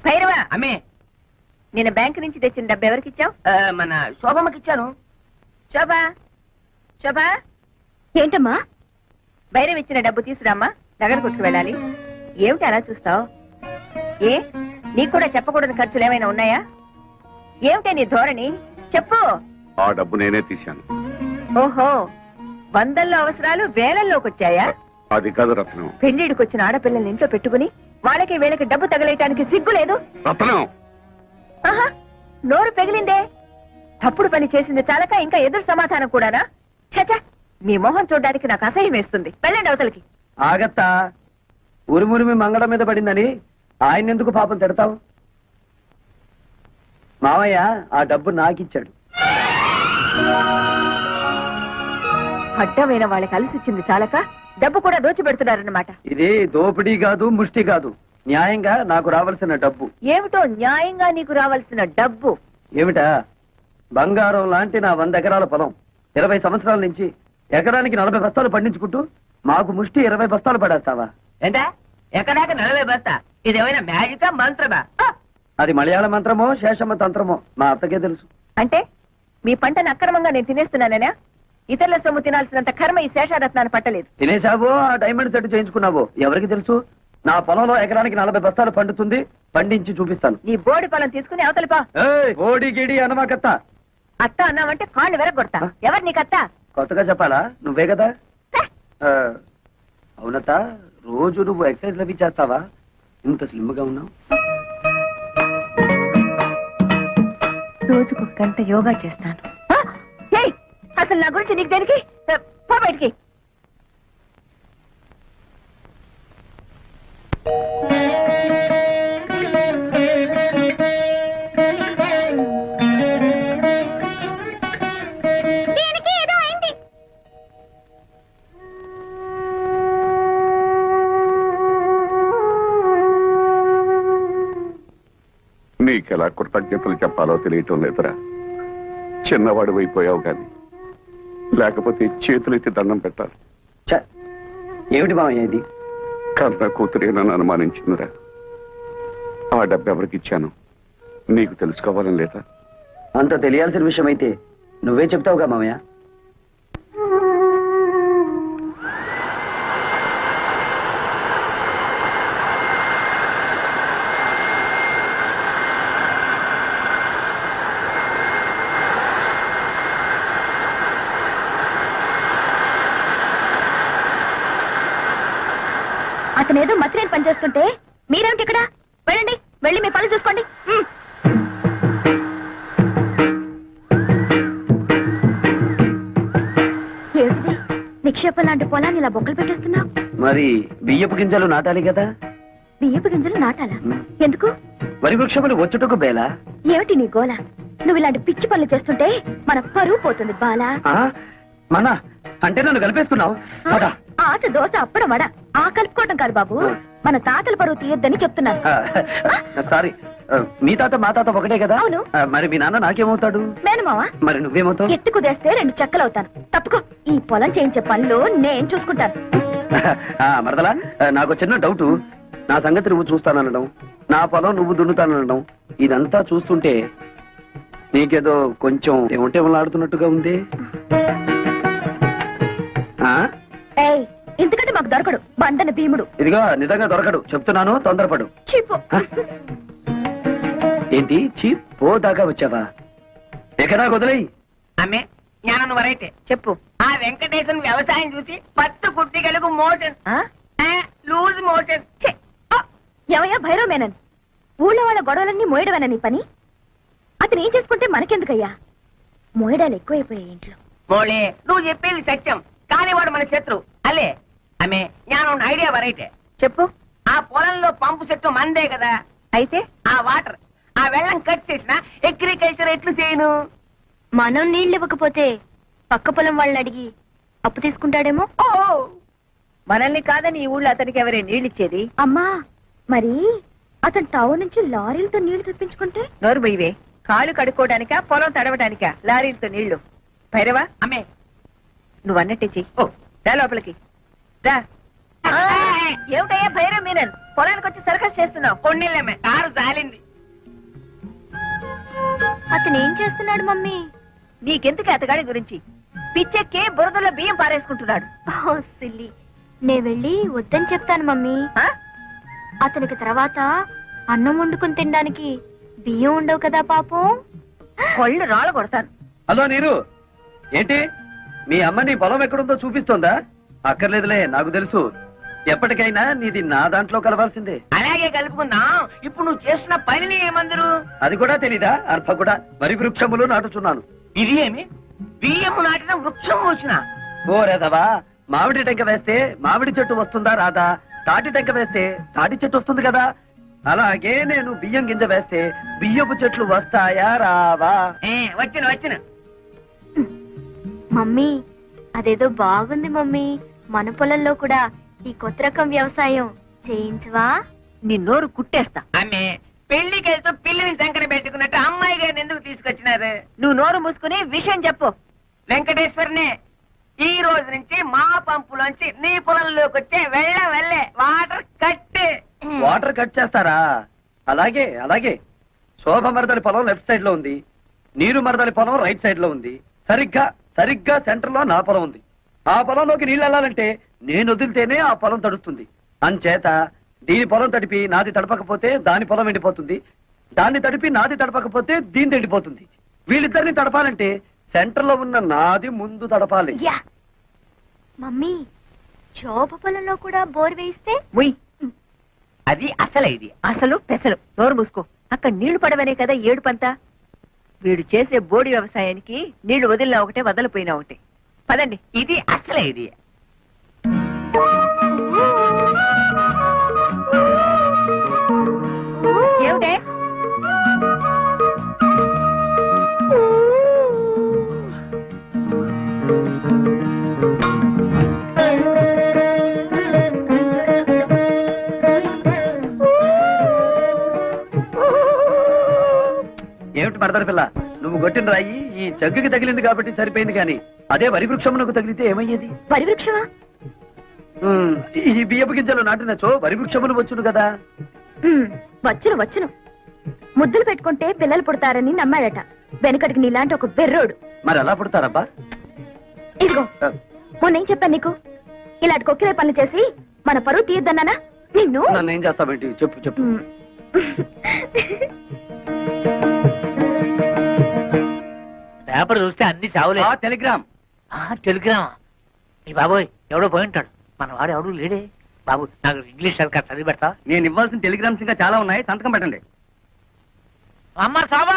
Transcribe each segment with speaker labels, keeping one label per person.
Speaker 1: భైరవా,
Speaker 2: అమ్మే
Speaker 1: నేను బ్యాంక్ నుంచి తెచ్చిన డబ్బు ఎవరికి ఇచ్చావు?
Speaker 2: మన శోభమ్మకి ఇచ్చాను.
Speaker 1: శోభా, శోభా,
Speaker 3: ఏంటమ్మా?
Speaker 1: భైరవ్ ఇచ్చిన డబ్బు తీసురామ్మా, నగర కొట్టుకు వెళ్ళాలి. ఏమిటి అలా చూస్తావు? ఏ నీకు కూడా చెప్పకూడని ఖర్చులు ఏమైనా ఉన్నాయా? ఏమిటే నీ ధోరణి? చెప్పు.
Speaker 4: ఆ డబ్బు నేనే తీశాను.
Speaker 1: ఓహో, వందల్లో అవసరాలు వేలల్లోకి వచ్చాయా?
Speaker 4: అది కాదు రత్నం.
Speaker 1: పెళ్లిడికి వచ్చిన ఆడపిల్లల్ని ఇంట్లో పెట్టుకుని వాళ్ళకి వీళ్ళకి డబ్బు తగలేయటానికి సిగ్గు లేదు?
Speaker 4: రత్నం,
Speaker 1: ఆహా, నోరు పెగిలిందే. తప్పుడు పని చేసింది చాలక ఇంకా ఎదురు సమాధానం కూడానా? చచ, మీ మొహం చూడడానికి నాకు అసహ్యం వేస్తుంది. వెళ్ళండి అవతలకి.
Speaker 5: ఆగత్తా, ఉరుమురిమి మంగళం మీద పడిందని ఆయన ఎందుకు పాపం తిడతావు? మావయ్య ఆ డబ్బు నాకిచ్చాడు.
Speaker 1: అడ్డమైన వాళ్ళకి అలసిచ్చింది చాలక డబ్బు కూడా దోచిపెడుతున్నారన్నమాట.
Speaker 5: ఇది దోపిడీ కాదు, ముష్టి కాదు, న్యాయంగా నాకు రావాల్సిన డబ్బు.
Speaker 1: ఏమిటో న్యాయంగా నీకు రావాల్సిన డబ్బు?
Speaker 5: ఏమిటా? బంగారం లాంటి నా 100 ఎకరాల పొలం 20 సంవత్సరాల నుంచి ఎకరానికి 40 బస్తాలు పండించుకుంటూ మాకు ముష్టి 20 బస్తాలు పడేస్తావా?
Speaker 2: ఏంటా ఎక్కడాక 40 బస్తా? ఇదేమైనా మ్యాజికా మంత్రమా?
Speaker 5: అది మలయాళ మంత్రమో శేషమ్మ తంత్రమో మా అత్తకే తెలుసు.
Speaker 1: అంటే మీ పంటను అక్రమంగా నేను తినేస్తున్నానేనా? ఇతరుల సొమ్ము తినాల్సినంత కర్మ ఈ శేషారత్నాన్ని పట్టలేదు.
Speaker 5: తినేశావో ఆ డైమండ్ సెట్ చేయించుకున్నావో ఎవరికి తెలుసు? నా పొలంలో ఎకరానికి 40 బస్తాలు పండుతుంది, పండించి చూపిస్తాను.
Speaker 1: నీ బోడి పొలం తీసుకుని అవతలిపా.
Speaker 5: ఓడి గిడి అనమాకత్త.
Speaker 1: అత్త అన్నావంటే కాళ్ళు వెరగొడతా. ఎవరు నీకత్త?
Speaker 5: కొత్తగా చెప్పాలా? నువ్వే కదా. అవునత్త, రోజు నువ్వు ఎక్సర్సైజ్ అవి చేస్తావా? ఇంత స్లిమ్ గా ఉన్నావు.
Speaker 1: రోజుకు గంట యోగా చేస్తాను. అసలు నా గురించి నీకు దేనికి? పో బయటికి.
Speaker 4: నీకెలా కృతజ్ఞతలు చెప్పాలో తెలియటం లేదురా. చిన్నవాడు అయిపోయావు గాని లేకపోతే చేతులెత్తి దండం పెట్టాలి.
Speaker 5: ఏమిటి మామయ్య ఇది?
Speaker 4: కన్న కూతురే నన్ను అనుమానించిందిరా. ఆ డబ్బు ఎవరికి ఇచ్చాను నీకు తెలుసుకోవాలని లేదా?
Speaker 5: అంత తెలియాల్సిన విషయం అయితే నువ్వే చెప్తావుగా మామయ్య.
Speaker 3: అతనేదో మతిరేని పనిచేస్తుంటే మీరేమిటి ఇక్కడ? వెళ్ళండి, వెళ్ళి మీ పనులు చూసుకోండి. ఏమిటి నిక్షేపం లాంటి పొలాన్ని ఇలా బొక్కలు పెట్టేస్తున్నావు?
Speaker 5: మరి బియ్యపు గింజలు నాటాలి కదా.
Speaker 3: బియ్యపు గింజలు నాటాలా? ఎందుకు?
Speaker 5: వరి వృక్షములు వచ్చుటకు బేలా.
Speaker 3: ఏమిటి నీ గోల? నువ్వు ఇలాంటి పిచ్చి పనులు చేస్తుంటే మన పరువు పోతుంది బాలా.
Speaker 5: మన అంటే నన్ను కలిపేస్తున్నావు.
Speaker 3: ఆశ దోశ అప్పడం వడ ఆ కలుపుకోవటం కాదు బాబు, మన తాతల పరువు తీయొద్దని చెప్తున్నాను.
Speaker 5: సారీ, మీ తాత మా తాత ఒకటే కదా.
Speaker 3: అవును.
Speaker 5: మరి మీ నాన్న నాకేమవుతాడు?
Speaker 3: మేనమావా.
Speaker 5: మరి నువ్వేమవుతావు?
Speaker 3: ఎత్తి కుదేస్తే 2 చెక్కలవుతాను. తప్పుకో, ఈ పొలం చేయించే పనులు నేను చూసుకుంటాను.
Speaker 5: మరదలా, నాకు చిన్న డౌట్. నా సంగతి నువ్వు చూస్తానడం, నా పొలం నువ్వు దున్నుతానడం, ఇదంతా చూస్తుంటే నీకేదో కొంచెం ఏమంటే ఆడుతున్నట్టుగా ఉంది.
Speaker 3: ఎందుకంటే మాకు దొరకడు బండన భీముడు.
Speaker 5: ఇదిగో నిజంగా దొరకడు చెప్తున్నాను, తొందరపడు. ఏంటి చీప్ పో దాకా వచ్చావా? ఎక్కడా వదిలేయి.
Speaker 2: అమ్మే జ్ఞానం వరైతే
Speaker 1: చెప్పు.
Speaker 2: ఆ వెంకటేశ్వర వ్యవసాయం చూసి 10 కుట్టిగలకు మోషన్, లూజ్ మోషన్.
Speaker 3: ఎవయా భైరవ మేనన్, ఊళ్ళో వాళ్ళ గొడవలన్నీ మోయడమేనా నీ పని? అతను ఏం చేసుకుంటే మనకెందుకయ్యా? మోయడాలు ఎక్కువైపోయాయి ఇంట్లో.
Speaker 2: మోళే, నువ్వు చెప్పేది సత్యం, కానీ వాడు మన శత్రు అల్లే. అమ్మే జ్ఞానం ఐడియా వరైతే
Speaker 1: చెప్పు.
Speaker 2: ఆ పొలంలో పంపు చెట్టు మందే కదా.
Speaker 1: అయితే
Speaker 2: ఆ వాటర్, ఆ వెళ్ళం కట్ చేసిన అగ్రికల్చర్ ఎట్లు చేయను?
Speaker 3: మనం నీళ్ళు ఇవ్వకపోతే పక్క పొలం వాళ్ళని అడిగి అప్పు తీసుకుంటాడేమో.
Speaker 2: ఓ,
Speaker 1: మనల్ని కాదని ఈ ఊళ్ళో అతనికి ఎవరే నీళ్ళిచ్చేది?
Speaker 3: అమ్మా, మరి అతను టౌన్ నుంచి లారీలతో నీళ్లు తెప్పించుకుంటే?
Speaker 1: నోరు బొయ్యవే. కాళ్ళు కడుక్కోవడానికా పొలం తడవడానికా లారీలతో నీళ్లు? భైరవా,
Speaker 2: అమ్మే
Speaker 1: నువ్వు అన్నట్టే చెయ్యి. రా లోపలికి రా. ఏమిటయ్యా భైరవ్ మీనన్ పొలానికి వచ్చి సర్కస్ చేస్తున్నావు?
Speaker 2: కొన్నిళ్ళమ్మే కారు జాలింది.
Speaker 3: అతను ఏం చేస్తున్నాడు మమ్మీ?
Speaker 1: నీకెందుకు అతగాడి గురించి? పిచ్చెక్కి బురదలో బియ్యం పారేసుకుంటున్నాడు.
Speaker 3: ఓ సిల్లి, నే వెళ్ళి వద్దని చెప్తాను మమ్మీ.
Speaker 1: ఆ?
Speaker 3: అతనికి తర్వాత అన్నం వండుకుని తినడానికి బియ్యం ఉండవు కదా పాపం.
Speaker 1: కొళ్ళు రాళ్ళ కొడతాను.
Speaker 5: హలో నీరు, ఏంటి మీ అమ్మ నీ పొలం ఎక్కడుందో చూపిస్తోందా? అక్కర్లేదులే, నాకు తెలుసు. ఎప్పటికైనా నీది నా దాంట్లో కలవాల్సిందే.
Speaker 2: అలాగే కలుపుకుందాం. ఇప్పుడు నువ్వు చేస్తున్న పనిని ఏమందరు?
Speaker 5: అది కూడా తెలీదా? అర్భ కూడా వరి వృక్షములు నాటుచున్నాను.
Speaker 2: ఇది ఏమి బియ్యము నాటిన వృక్షం వచ్చిన?
Speaker 5: ఓ రేదవా, మామిడి టెంక వేస్తే మామిడి చెట్టు వస్తుందా రాదా? తాటి టెంక వేస్తే తాటి చెట్టు వస్తుంది కదా. అలాగే నేను బియ్యం గింజ వేస్తే బియ్యపు చెట్లు వస్తాయా రావా?
Speaker 2: వచ్చిన వచ్చిన.
Speaker 3: మమ్మీ, అదేదో బాగుంది మమ్మీ. మన పొలంలో కూడా ఈ కొత్త రకం వ్యవసాయం చేయించవా?
Speaker 1: నీ నోరు కుట్టేస్తా.
Speaker 2: ఆమె పెళ్లికి వెళ్తూ పిల్లిని సంకర పెట్టుకున్నట్టు అమ్మాయి గారిని ఎందుకు తీసుకొచ్చినారు?
Speaker 1: నువ్వు నోరు మూసుకుని విషయం చెప్పు.
Speaker 2: వెంకటేశ్వరనే, ఈ రోజు నుంచి మా పంపులోంచి నీ పొలంలోకి వచ్చే వెళ్ళే వాటర్ కట్.
Speaker 5: వాటర్ కట్ చేస్తారా? అలాగే అలాగే. శోభ మరదలి పొలం లెఫ్ట్ సైడ్ లో ఉంది, నీరు మరదలి పొలం రైట్ సైడ్ లో ఉంది. సరిగ్గా సెంటర్ లో నా పొలం ఉంది. ఆ పొలంలోకి నీళ్ళు వెళ్ళాలంటే నేను వదిలితేనే ఆ పొలం తడుస్తుంది. అంచేత దీని పొలం తడిపి నాది తడపకపోతే దాని పొలం ఎండిపోతుంది, దాన్ని తడిపి నాది తడపకపోతే దీని ఎండిపోతుంది. వీళ్ళిద్దరిని తడపాలంటే సెంటర్ లో ఉన్న నాది ముందు తడపాలి.
Speaker 3: యా మమ్మీ, శోభ పొలంలో కూడా బోర్ వేయిస్తే?
Speaker 1: ముయ్,
Speaker 2: అది అసలు ఇది.
Speaker 1: అసలు పెసలు. నోరు మూసుకో. అక్కడ నీళ్లు పడవనే కదా ఏడుపంతా. వీడు చేసే బోడి వ్యవసాయానికి నీళ్లు వదిలినా ఒకటే, వదలిపోయినా ఒకటే. పదండి.
Speaker 2: ఇది అసలే ఇది.
Speaker 1: ఏమిటే?
Speaker 5: ఏమిటి మరదల పిల్ల, నువ్వు కొట్టిన రాయి ఈ జగ్గుకి తగిలింది కాబట్టి సరిపోయింది, కానీ అదే వరి వృక్షమునకు తగిలితే ఏమయ్యేది?
Speaker 3: వరి వృక్షమా?
Speaker 5: ఈ బియ్యపు గింజలు నాటినచో వరి వృక్షములు వచ్చును కదా.
Speaker 3: వచ్చును. ముద్దులు పెట్టుకుంటే పిల్లలు పుడతారని నమ్మాడట వెనకటికి నీలాంటి ఒక బెర్రోడు.
Speaker 5: మరి ఎలా పుడతారబ్బా?
Speaker 3: ఇదిగో, మొన్నేం చెప్పాను నీకు? ఇలాంటి కొక్కిరే పనులు చేసి మన పరువు తీయద్దన్నానా నిన్ను?
Speaker 5: నన్ను ఏం చేస్తావేంటి? చెప్పు.
Speaker 2: పేపర్ చూస్తే అన్ని చావులే.
Speaker 5: టెలిగ్రామ్.
Speaker 2: టెలిగ్రామా? ఈ బాబోయ్, ఎవడో పోయి ఉంటాడు. మన వాడు ఎవడు లేడే. బాబు, నాకు ఇంగ్లీష్ సరిగ్గా చదివి పెడతా.
Speaker 5: నేను ఇవ్వాల్సిన టెలిగ్రామ్స్ ఇంకా చాలా ఉన్నాయి, సంతకం పెట్టండి.
Speaker 2: అమ్మ శోభా,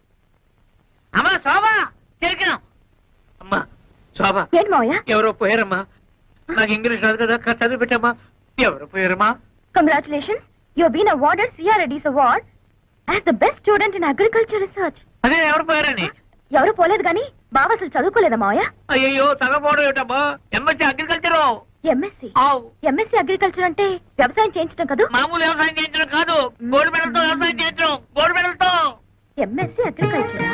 Speaker 2: టెలిగ్రామ్. అమ్మా శోభా,
Speaker 3: ఏంటి మావయ్య?
Speaker 2: ఎవరో పోయారమ్మా. నాకు ఇంగ్లీష్ రాదు కదా, చదివి పెట్టమ్మా. ఎవరో పోయారమ్మా.
Speaker 3: Congratulations, you been awarded CRADS award as the best student in agriculture research.
Speaker 2: అదే ఎవరు పోయారని?
Speaker 3: ఎవరు పోలేదు గాని బావ అసలు చదువుకోలేదా మావయ్య?
Speaker 2: అయ్యో, తగపోవడం ఏమిటమ్మా? MSc agriculture.
Speaker 3: ఎంఎస్సీ అగ్రికల్చర్ అంటే వ్యవసాయం చేయించడం కదా?
Speaker 2: మామూలు వ్యవసాయం చేయించడం కాదు, గోల్డ్ మెడల్తో వ్యవసాయం చేయించడం. గోల్డ్ మెడల్తో.
Speaker 3: ఎంఎస్సీ అగ్రికల్చరా?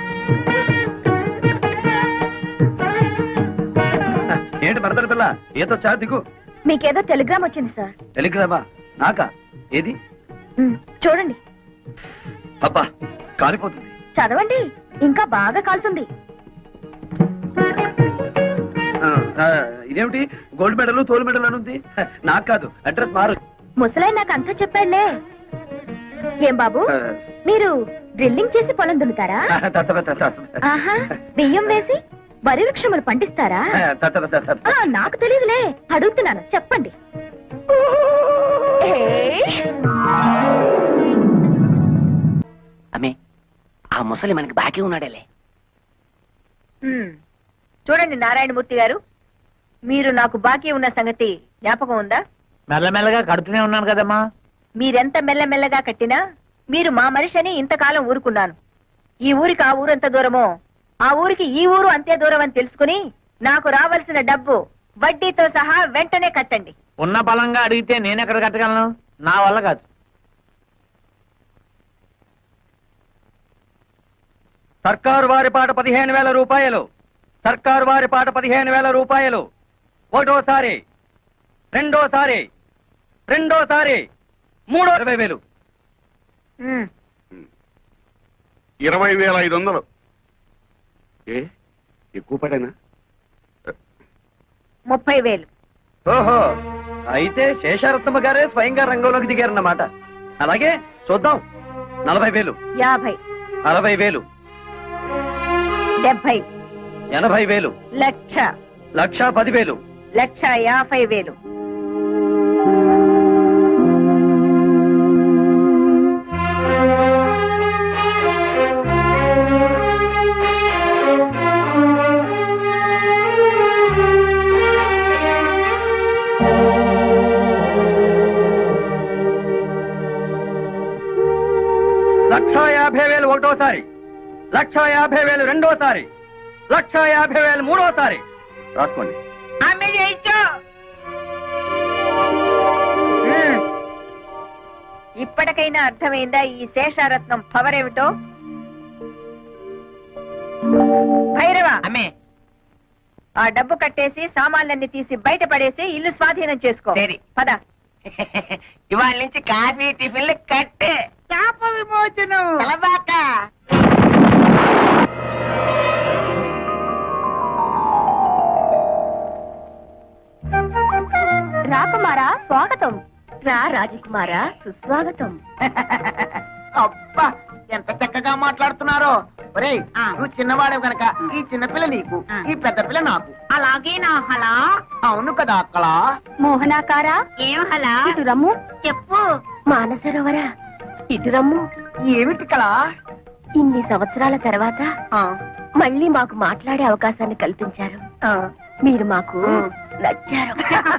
Speaker 5: ఏంటి మరదల పిల్ల, ఏదో చా దిగు.
Speaker 3: మీకేదో టెలిగ్రామ్ వచ్చింది సార్.
Speaker 5: టెలిగ్రామా? నాకా? ఏది?
Speaker 3: చూడండి.
Speaker 5: అబ్బా, కాలిపోతుంది.
Speaker 3: చదవండి, ఇంకా బాగా కాల్తుంది.
Speaker 5: ఇదేమిటి గోల్డ్ మెడల్ తోలు మెడల్ అని ఉంది? నాకు కాదు, అడ్రస్ మారు.
Speaker 3: ముసలాయి నాకు అంతా చెప్పాడులే. ఏం బాబు, మీరు డ్రిల్లింగ్ చేసి పొలం దున్నుతారా? ఆహా, బియ్యం వేసి వరి వృక్షములు పండిస్తారా? నాకు తెలియదులే, అడుగుతున్నాను, చెప్పండి.
Speaker 2: అమ్మే, ఆ ముసలి మనకి బాకీ ఉన్నాడేలే.
Speaker 1: చూడండి నారాయణమూర్తి గారు, మీరు నాకు బాకీ ఉన్న సంగతి జ్ఞాపకం ఉందా?
Speaker 2: మెల్లమెల్లగా కడుతూనే ఉన్నాను కదమ్మా.
Speaker 1: మీరెంత మెల్లమెల్లగా కట్టినా మీరు మా మనిషి అని ఇంతకాలం ఊరుకున్నాను. ఈ ఊరికి ఆ ఊరు ఎంత దూరమో, ఆ ఊరికి ఈ ఊరు అంతే దూరం అని తెలుసుకుని నాకు రావాల్సిన డబ్బు వడ్డీతో సహా వెంటనే కట్టండి.
Speaker 2: ఉన్న బలంగా అడిగితే నేనెక్కడ కట్టగలను? నా వల్ల కాదు.
Speaker 5: సర్కారు వారి పాట 15,000 రూపాయలు. సర్కారు వారి పాట 15,000 రూపాయలు. ఒకటోసారి, రెండోసారి, రెండోసారి 20,000.
Speaker 1: ఉమ్,
Speaker 4: 20,500. ఏ ఎక్కువ పడేనా?
Speaker 1: 30,000.
Speaker 5: ఓహో, అయితే శేషారత్నమ్మ గారే స్వయంగా రంగంలోకి దిగారన్నమాట. అలాగే చూద్దాం. 40,000,
Speaker 1: 50,
Speaker 5: 60,000,
Speaker 1: 70,
Speaker 5: 80,000,
Speaker 1: లక్ష,
Speaker 5: 1,10,000.
Speaker 1: 1,50,000.
Speaker 5: లక్ష 50,000 ఒకటోసారి, 1,50,000 రెండోసారి, 1,50,000 మూడోసారి. రాసుకోండి.
Speaker 2: ఆమె జయించు.
Speaker 1: ఉమ్. ఇప్పటికైనా అర్థమైందా ఈ శేషారత్నం పవర్ ఏమిటో? భైరవ,
Speaker 2: అమ్మే
Speaker 1: ఆ డబ్బు కట్టేసి సామాన్లన్నీ తీసి బయట పడేసి ఇల్లు స్వాధీనం చేసుకో.
Speaker 2: సరే.
Speaker 1: పద.
Speaker 2: ఇవాళ నుంచి కాఫీ టిఫిన్లు కట్టే. శాప విమోచనం. తలబాక.
Speaker 3: రాకుమారా స్వాగతం. రా రాజకుమారా సుస్వాగతం.
Speaker 2: అబ్బా ఎంత చక్కగా మాట్లాడుతున్నారో. ఒరేయ్, నువ్వు చిన్నవాడు గనక ఈ చిన్నపిల్ల నీకు, ఈ పెద్ద పిల్ల నాకు. అలాగే నా హలా. అవును కదా అక్కడ.
Speaker 3: మోహనాకారా
Speaker 2: ఏం హలా?
Speaker 3: ఇటు రమ్ము.
Speaker 2: చెప్పు.
Speaker 3: మానసరోవరా ఇటు రమ్ము.
Speaker 2: ఏమిటి కళ?
Speaker 3: ఇన్ని సంవత్సరాల తర్వాత మళ్ళీ మాకు మాట్లాడే అవకాశాన్ని కల్పించారు. మీరు మాకు నచ్చారు.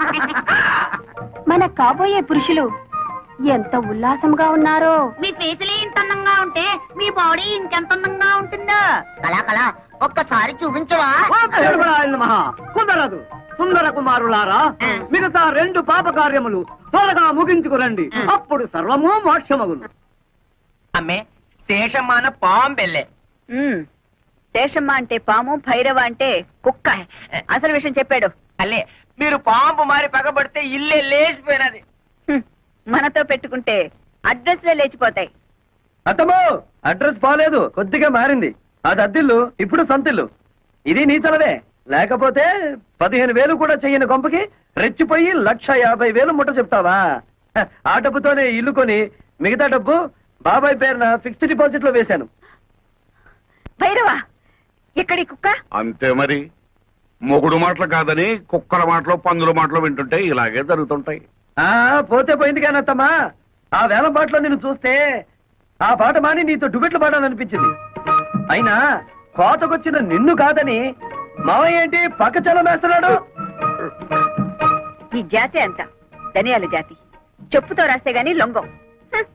Speaker 3: మన కాబోయే పురుషులు ఎంత ఉల్లాసంగా ఉన్నారో.
Speaker 2: మీ ఫేసులే ఇంత అందంగా ఉంటే మీ బాడీ ఇంకెంత అందంగా ఉంటుందో. కళా కళ ఒక్కసారి చూపించవా?
Speaker 5: కుదరదు. సుందర కుమారులారా, మిగతా 2 పాప కార్యములు త్వరగా ముగించుకురండి. అప్పుడు సర్వము మోక్షమగును.
Speaker 2: అమ్మే శేషమాన పాంబెల్లే.
Speaker 1: ఉమ్. శేషమ్మ అంటే పాము, భైరవ అంటే కుక్క. అసలు విషయం చెప్పాడు.
Speaker 2: అల్లే మీరు పాంపు మారి పగబడితే ఇల్లే లేచిపోయినది.
Speaker 1: హ్మ్. మనతో పెట్టుకుంటే అడ్రస్లే లేచిపోతాయి.
Speaker 5: అత్తమ్మో, అడ్రస్ బాలేదు, కొద్దిగా మారింది. అది అద్దిల్లు, ఇప్పుడు సంతిల్లు. ఇది నీచలదే. లేకపోతే 15,000 కూడా చెయ్యని కొంపకి రెచ్చిపోయి 1,50,000 ముట్ట చెప్తావా? హ, ఆ డబ్బుతోనే ఇల్లు కొని మిగతా డబ్బు బాబాయ్ పేరున ఫిక్స్డ్ డిపాజిట్ లో వేశాను.
Speaker 1: భైరవ, ఎక్కడి కుక్క?
Speaker 4: అంతే మరి. మొగుడు మాటలు కాదని కుక్కల మాటలు పందుల మాటలు వింటుంటే ఇలాగే జరుగుతుంటాయి.
Speaker 5: ఆ పోతే పోయింది కానీ అత్తమ్మా, ఆ వేల పాటలో నిన్ను చూస్తే ఆ పాట మాని నీతో డుబెట్లు పాడాలనిపించింది. అయినా కోతకొచ్చిన నిన్ను కాదని మావయ్య ఏంటి పక్క చలమేస్తున్నాడు?
Speaker 1: ఈ జాతి అంత ధనియాల జాతి. చెప్పుతో రాస్తే గాని లొంగం. హ్మ్.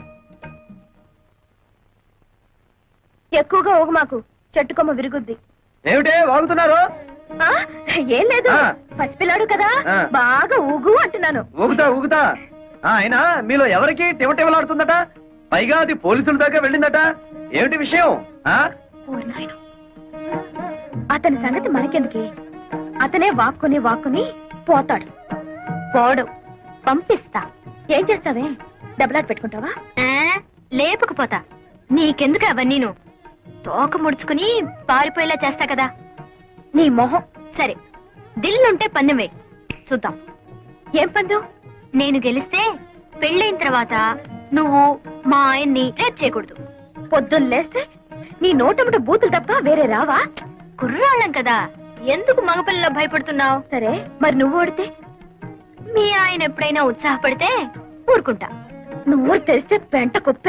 Speaker 3: ఎక్కువగా ఓగు మాకు, చెట్టుకొమ్మ విరుగుద్ది.
Speaker 5: ఏమిటే వాగుతున్నారు?
Speaker 3: ఆ, ఏం లేదు,
Speaker 5: ఆ.
Speaker 3: పసిపిల్లాడు కదా,
Speaker 5: ఆ.
Speaker 3: బాగా ఊగు అంటున్నాను.
Speaker 5: ఊగుతా ఊగుతా. అయినా మీలో ఎవరికి తివటివలాడుతుందట? పైగా అది పోలీసుల దాకా వెళ్ళిందట. ఏమిటి విషయం? ఆ
Speaker 3: ఓ నాయనా. అతని సంగతి మనకెందుకే? అతనే వాక్కుని వాక్కుని పోతాడు. పోడు, పంపిస్తా. ఏం చేస్తావే? డబ్బులాట పెట్టుకుంటావా? లేపకపోతా. నీకెందుకు అవన్నీను? తోక ముడుచుకుని పారిపోయేలా చేస్తా కదా. నీ మొహం. సరే, దిల్లుంటే పందెం వేయి, చూద్దాం. ఏం పందెం? నేను గెలిస్తే పెళ్ళైన తర్వాత నువ్వు మా ఆయన్ని రేప్ చేయకూడదు. పొద్దున్న లేస్తే నీ నోటముట బూతులు తప్ప వేరే రావా? కుర్రాళ్ళం కదా, ఎందుకు మగపిల్లలో భయపడుతున్నావు? సరే, మరి నువ్వు ఓడితే? మీ ఆయన ఎప్పుడైనా ఉత్సాహపడితే ఊరుకుంటా. నువ్వు తెలిస్తే పెంట కుప్పే.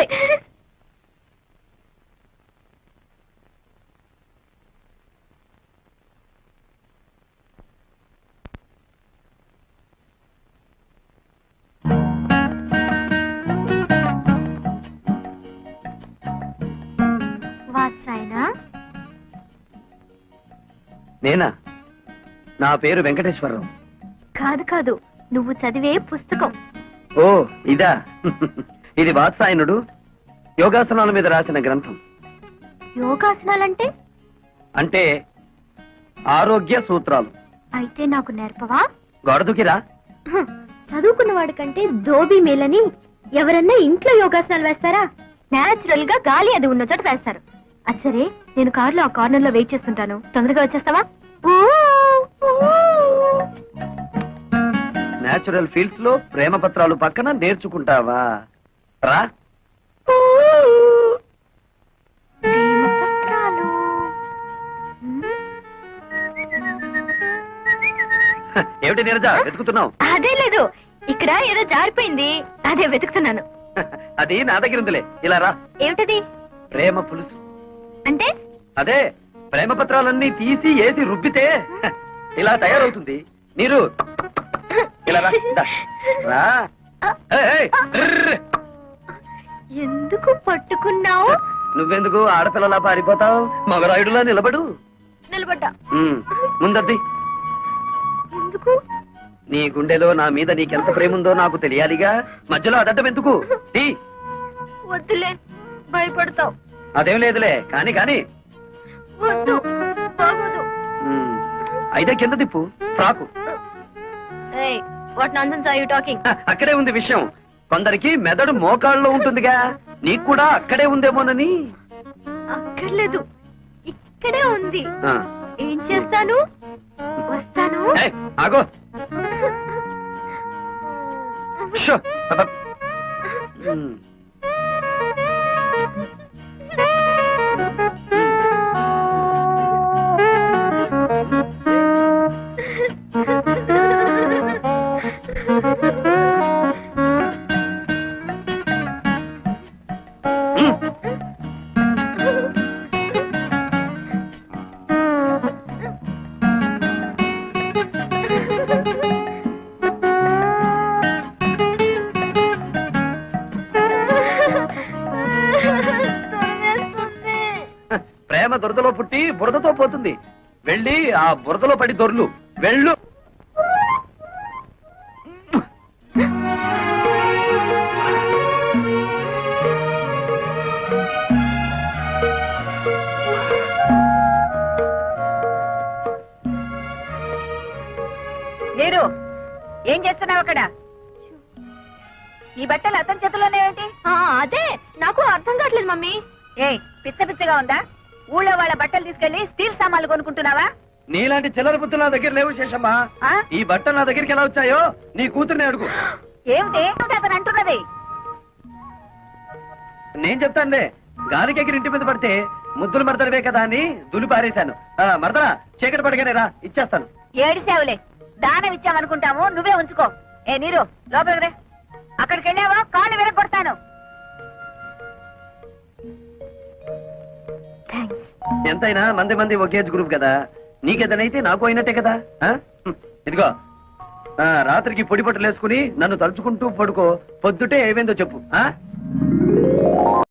Speaker 5: నేనా? నా పేరు వెంకటేశ్వరరావు.
Speaker 3: కాదు కాదు, నువ్వు చదివే పుస్తకం.
Speaker 5: ఓ ఇదా? ఇది వాత్సాయనుడు యోగాసనాల మీద రాసిన గ్రంథం.
Speaker 3: యోగాసనాలంటే?
Speaker 5: అంటే ఆరోగ్య సూత్రాలు.
Speaker 3: అయితే నాకు నేర్పవా?
Speaker 5: గొడదుకిరా.
Speaker 3: చదువుకున్న వాడి కంటే ధోబీ మేలని ఎవరన్నా ఇంట్లో యోగాసనాలు వేస్తారా? నేచురల్ గా గాలి అది ఉన్న చోట వేస్తారు. అది సరే, నేను కారులో ఆ కార్నర్ లో వెయిట్ చేస్తుంటాను, తొందరగా వచ్చేస్తావా?
Speaker 5: నేచురల్ ఫీల్డ్స్ లో ప్రేమ పత్రాలు పక్కన నేర్చుకుంటావా? రా.
Speaker 3: ప్రేమపత్రాలు.
Speaker 5: ఏమిటి నీరజ వెతుకుతున్నావు?
Speaker 3: అదే లేదు, ఇక్కడ ఏదో జారిపోయింది, అదే వెతుకుతున్నాను.
Speaker 5: అది నా దగ్గర ఉందిలే, ఇలా రా.
Speaker 3: ఏమిటది?
Speaker 5: ప్రేమ పులుసు.
Speaker 3: అంటే
Speaker 5: అదే ప్రేమ పత్రాలన్నీ తీసి ఏసి రుబ్బితే ఇలా తయారవుతుంది. నీరు ఇలా రా. దా. రా. ఏయ్, ఏయ్, ర్ర్.
Speaker 3: ఎందుకు పట్టుకున్నావు?
Speaker 5: నువ్వెందుకు ఆడపిల్లలా పారిపోతావు? మగరాయుడులా నిలబడు.
Speaker 3: నిలబడ్డా.
Speaker 5: ముందద్ది.
Speaker 3: ఎందుకు?
Speaker 5: నీ గుండెలో నా మీద నీకెంత ప్రేమ ఉందో నాకు తెలియాలిగా. మధ్యలో అదడ్డం ఎందుకు? తీ.
Speaker 3: వద్దులే, భయపడతావు.
Speaker 5: అదేం లేదులే, కాని కాని.
Speaker 3: వద్దు, బాగోదు.
Speaker 5: అయితే కింద తిప్పు. Frock.
Speaker 3: What nonsense are you talking?
Speaker 5: అక్కడే ఉంది విషయం. కొందరికి మెదడు మోకాళ్ళలో ఉంటుందిగా, నీకు కూడా అక్కడే ఉందేమోనని.
Speaker 3: అక్కర్లేదు, ఇక్కడే ఉంది.
Speaker 5: ఆ.
Speaker 3: ఏం చేస్తాను? వస్తాను.
Speaker 5: ఏయ్, ఆగో. షో. అబ్బ. ప్రేమ దురదలో పుట్టి బురదతో పోతుంది. వెళ్ళి ఆ బురదలో పడి దొర్లు. వెళ్ళు.
Speaker 1: నీరు, ఏం చేస్తున్నావు అక్కడ? ఈ బట్టలు అతని చేతిలోనే ఏంటి?
Speaker 3: అదే నాకు అర్థం కావట్లేదు మమ్మీ.
Speaker 1: ఏయ్, పిచ్చ పిచ్చగా ఉందా? ఊళ్ళో వాళ్ళ బట్టలు తీసుకెళ్లి స్టీల్ సామాన్లు కొనుక్కుంటున్నావా?
Speaker 5: నీలాంటి చిల్లర బుద్ధులు నా దగ్గర లేవు శేషమ్మా.
Speaker 1: ఆ?
Speaker 5: ఈ బట్టలు నా దగ్గరికి ఎలా వచ్చాయో నీ కూతుర్ని అడుగు.
Speaker 1: ఏమిటి అతను అంటున్నది?
Speaker 5: నేను చెప్తానులే. గాలికి ఎగిరి ఇంటి మీద పడితే ముద్దులు మడతడవే కదా అని దులి పారేశాను. మరదరా, చీకటి పడగానే రా, ఇచ్చేస్తాను.
Speaker 1: ఏడిసావులే, దానం ఇచ్చామనుకుంటాము, నువ్వే ఉంచుకో. ఏ నీరు, లోపలికి రే. అక్కడికి వెళ్ళావా కాళ్ళు విరగొడతాను.
Speaker 5: ఎంతైనా మంది మంది ఒకే గ్రూప్ కదా. నీకేదనైతే నాకు అయినట్టే కదా. ఇదిగో, రాత్రికి పొడి బట్టలు వేసుకుని నన్ను తలుచుకుంటూ పడుకో. పొద్దుటే ఏమైందో చెప్పు.